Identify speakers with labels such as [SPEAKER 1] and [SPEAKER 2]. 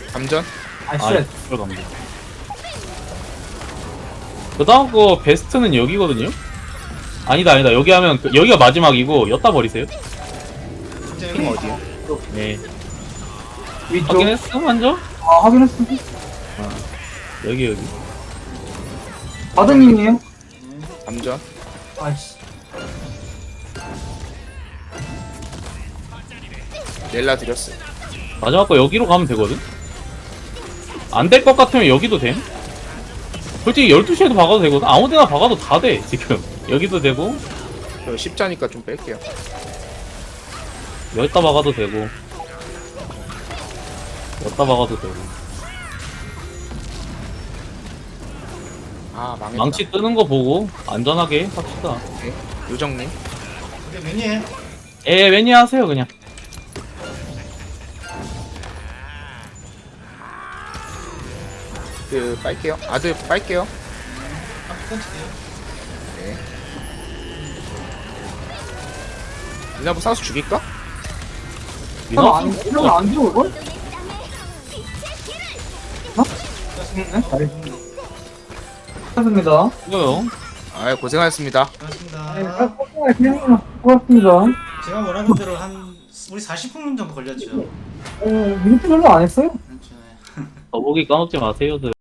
[SPEAKER 1] 감전?
[SPEAKER 2] 아,
[SPEAKER 3] 쉣.
[SPEAKER 2] 들어갑니다. 그 다음 거 베스트는 여기거든요? 아니다. 여기 하면, 여기가 마지막이고, 엿다 버리세요.
[SPEAKER 1] 핑 어디야?
[SPEAKER 2] 네.
[SPEAKER 3] 위쪽.
[SPEAKER 2] 확인했어, 먼저?
[SPEAKER 3] 아, 확인했어.
[SPEAKER 2] 여기.
[SPEAKER 3] 바드님이에요?
[SPEAKER 1] 감전?
[SPEAKER 3] 아이씨.
[SPEAKER 1] 넬라 드렸어.
[SPEAKER 2] 마지막 거 여기로 가면 되거든? 안 될 것 같으면 여기도 됨? 솔직히 12시에도 박아도 되거든? 아무 데나 박아도 다 돼, 지금. 여기도 되고,
[SPEAKER 1] 저 십자니까 좀 뺄게요.
[SPEAKER 2] 여기다 박아도 되고, 여기다 박아도 되고.
[SPEAKER 1] 아, 망했다.
[SPEAKER 2] 망치 뜨는 거 보고, 안전하게 합시다.
[SPEAKER 1] 오케이. 요정님.
[SPEAKER 4] 그게 매니에
[SPEAKER 2] 매니 하세요, 그냥.
[SPEAKER 1] 그, 빨게요. 아들 빨게요.
[SPEAKER 4] 던질게요.
[SPEAKER 1] 네. 미나부 사수 죽일까?
[SPEAKER 3] 이거 안 들어올 걸? 어? 잘했습니다.
[SPEAKER 2] 이거요.
[SPEAKER 1] 아, 고생하셨습니다.
[SPEAKER 4] 고맙습니다.
[SPEAKER 3] 그냥 고맙습니다.
[SPEAKER 4] 제가 원하는 대로 한 우리 40분 정도 걸렸죠.
[SPEAKER 3] 민트 별로 안 했어요?
[SPEAKER 4] 그렇죠.
[SPEAKER 2] 더보기 까먹지 마세요, 들.